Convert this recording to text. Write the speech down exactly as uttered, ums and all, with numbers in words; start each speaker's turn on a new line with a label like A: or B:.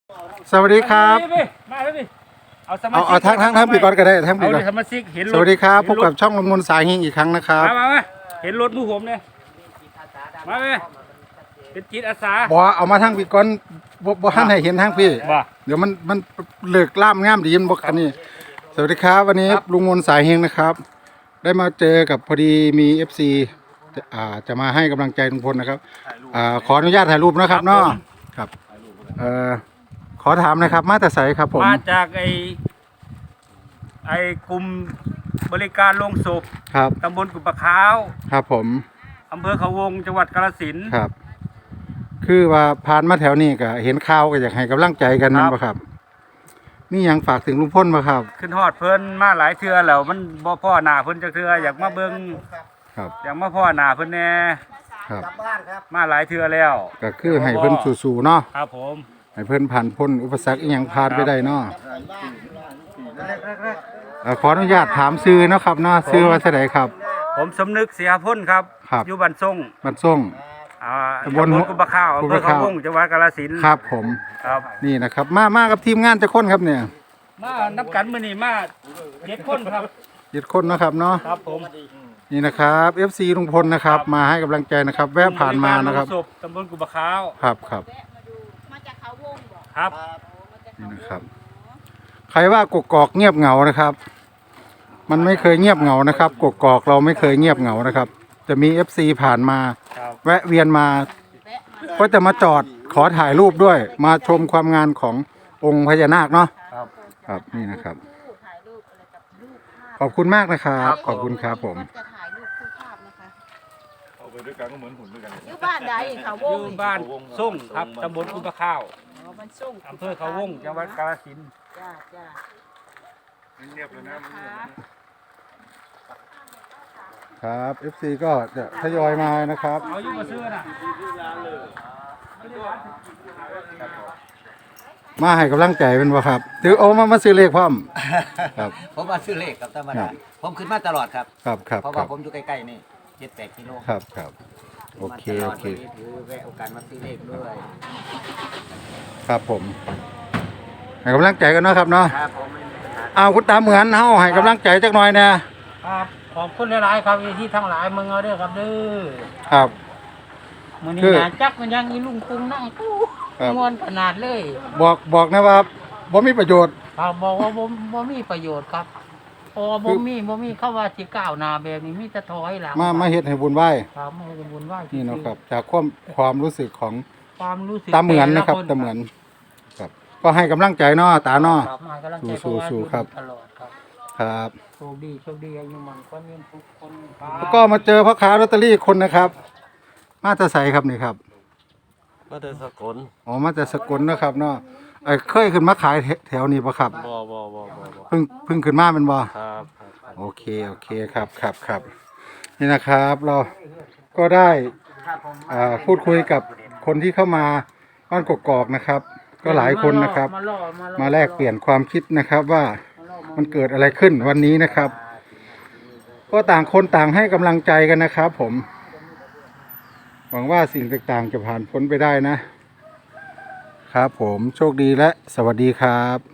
A: สวัสดีครับ
B: มาแล้วดิเอาสมา
A: เอา
B: ชิก
A: เอาทั้งทั้งทั้งปีก่อนก็ได้ทั้งปี
B: เอา
A: ก่อ
B: ดิ
A: น
B: สมาชิกเห็นรถ
A: สวัสดีครับพบกับ
B: เห็นรถ
A: ช่องลงมนสายเฮงอีกครั้งนะครับ
B: มามามาเห็นรถมูผมเนี่ยมาไหมเป็นจิตอาสา
A: บอเอามาทั้งปีก่อนบ่บ่ทันให้เห็นทั้งพี่
B: บ่
A: เดี๋ยวมันมันเลิกล่ามงามดีมันบ่คันนี้สวัสดีครับวันนี้ลุงมนสายเฮงนะครับ ได้มาเจอกับพอดีมี เอฟ ซี อ่าจะมาให้กำลังใจลุงพลนะครับอ่าขออนุญาตถ่ายรูปนะครับเนาะครับเอ่อขอถามนะครับมาแต่ไสครับผม
B: มาจากไอไอกลุ่มบริการโรงศพ
A: ครับ
B: ตำบลกุบปะขาว
A: ครับผม
B: อำเภอเขาวงจังหวัดกาฬสินธุ์
A: ครับ คือว่าผ่านมาแถวนี้ก็เห็นข่าวก็อยากให้กำลังใจกันนั่น
B: ครับ
A: บ่ครับมีหยังฝากถึงลุงพลบ่ครับ
B: ขึ้นฮอดเพิ่นมาหลายเทื่อแล้วมันบ่พ่อหน้าเพิ่นจักเทื่ออยากมาเบิ่ง
A: ครับ
B: อยากมาพ่อหน้าเพิ่นแน่
A: ครับ
B: มาหลายเทื่อแล้ว
A: ก็คือให้เพิ่นสู้ๆเนาะ
B: ครับผม
A: ให้เพิ่นผ่านพ้นอุปสรรคอีหยังผ่านไปได้เนาะเอ่อขออนุญาตถามชื่อเนาะครับเนาะชื่อว่าไสใดครับ
B: ผมสมนึกเสียพ้นครับ
A: ครับ
B: อยู่บ้านทรง
A: บ้านส่ง
B: อ่า
A: ตำบล
B: ตำบลกุบะข้าวอำเภอ
A: กุบะ
B: เขา
A: ข้าว
B: วงจังหวัดกาฬสินธุ์
A: ครับผม
B: ครับ
A: นี่นะครับ มามากับทีมงานจักคนครับเนี่ย
B: มานับกันมื้อนี้มาเจ็ดคนครับ
A: เจ็ดคนเนาะครับเนาะ
B: ครับผม
A: นี่นะครับ เอฟ ซี ลุงพลนะครับ มาให้กำลังใจนะครับ แวะผ่านมานะครับ
B: โงศพตำบลกุบะข้าว
A: ครับครับ
C: มาจากเขาวงบอก
B: ครับ
A: นี่นะครับ ใครว่ากกอกเงียบเหงานะครับ มันไม่เคยเงียบเหงานะครับกกอกเราไม่เคยเงียบเหงานะครับ จะมี เอฟ ซี ผ่านมา
B: ครับ
A: แวะเวียนมา
C: แวะมา
A: ก็จะมาจอดขอถ่ายรูปด้วย มาชมความงานขององค์พญานาคเนาะ
B: ครับ
A: ครับนี่นะครับ
C: คู่ถ่ายรูปอะไรกับรูปภาพ
A: ขอบคุณมากนะครับ ขอบคุณครับผม
C: จะถ่ายรูปคู่ภาพนะคะ
D: เอาไปด้วยกันก็เหมือนหุ่นด้วยกัน
C: อยู่บ้านใดเขาว
B: อง ยู่บ้านส่งครับตำบลกุบะข้าว
C: อ๋อมันส่ง
B: อำเภอเขาวงจังหวัดกาฬสินธุ์
C: จ้าจ้า
D: เงียบเลยนะมันเงียบนะ
A: ครับ เอฟ ซี ก็จะทยอยมานะครับ
B: เอาอยู่มาซื้อน่ะ
A: มาให้กำลังใจเป็นบ่ครับถือโอ้มามาซื้อเลขพร้อมครับ
E: ผมมาซื้อเลขครับธรรม
A: ครั
E: ดา
A: บ
E: ผมขึ้นมาตลอดครับ
A: ครับครับ
E: เพราะ
A: ค
E: ว่า
A: รับ
E: ผมอยู่ใกล้ๆนี่เจ็ดแปดกิโล
A: ครับครับโอเค
E: มาตล
A: โอ
E: ด
A: เค
E: วันนี้ถือแวะโอกาสมาซื้อเลขด้วย
A: ครับผมให้กำลังใจกันเนาะครับเนาะ
E: ครับผมไม่มีปัญหา
A: เอาคุณตาเหมือนเฮาให้กำลังใจจักหน่อยนะครับ
B: ขอบคุณหลายๆครับที่ทั้งหลายมึงเอาเด้อครับเด้อ
A: ครับ
B: มื้อ
A: คื
B: นี้
A: อ
B: นะจักมันยังอีลุงปุงนั่งตู้
A: ครับ
B: ม่วนขนาดเลย
A: บอกบอกนะว่าบ่มีประโยชน์
B: ครับบอกว่าบ่บ่มีประโยชน์ครับเพอบ่มีบ่มีเข้าว่าสิก้าวหน้าแบบนี้มีแต่ถอยหลัง
A: มามาเฮ็ดให้บุญไหว้
B: ครับมาให้บุญไหว้
A: นี่เนาะครับ จากความความรู้สึกของ
B: ความรู้สึก
A: ตาเหมือนนะครับ
B: แต่ล
A: ตาเหมือนครับ ก็ให้กำลังใจเนาะตาเนาะ
B: ครับมาให้กำลังใจ
A: สู้ๆสู้ครับ
B: ตลอดครับ
A: ครับ
B: โชคดีโชคดีอายุมันก็ยืนทุกคนครับ
A: แล้วก็มาเจอพ่อค้าลอตเตอรี่คนนะครับ มาจะใส่ครับนี่ครับ
D: มาแต่สกล
A: อ๋อมาจากสกลนะครับเนาะเอ้ยเคยขึ้นมาขายแถแถวนี้ปะครับ
D: บ่บ่บ่บ่บ่
A: เพิ่งเพิ่งขึ้นมาเป็นบ่
D: ครับครับครับ
A: โอเคโอเคครับครับครับนี่นะครับ เราก็ได้อ่าพูดคุยกับคนที่เข้ามาบ้านกกอกนะครับ ก็หลายคนนะครับ
B: มาล่อมาล่อ
A: มาแลกเปลี่ยนความคิดนะครับว่ามันเกิดอะไรขึ้นวันนี้นะครับ ก็ต่างคนต่างให้กำลังใจกันนะครับ ผม หวังว่าสิ่งต่างๆจะผ่านพ้นไปได้นะ ครับผมโชคดีและสวัสดีครับ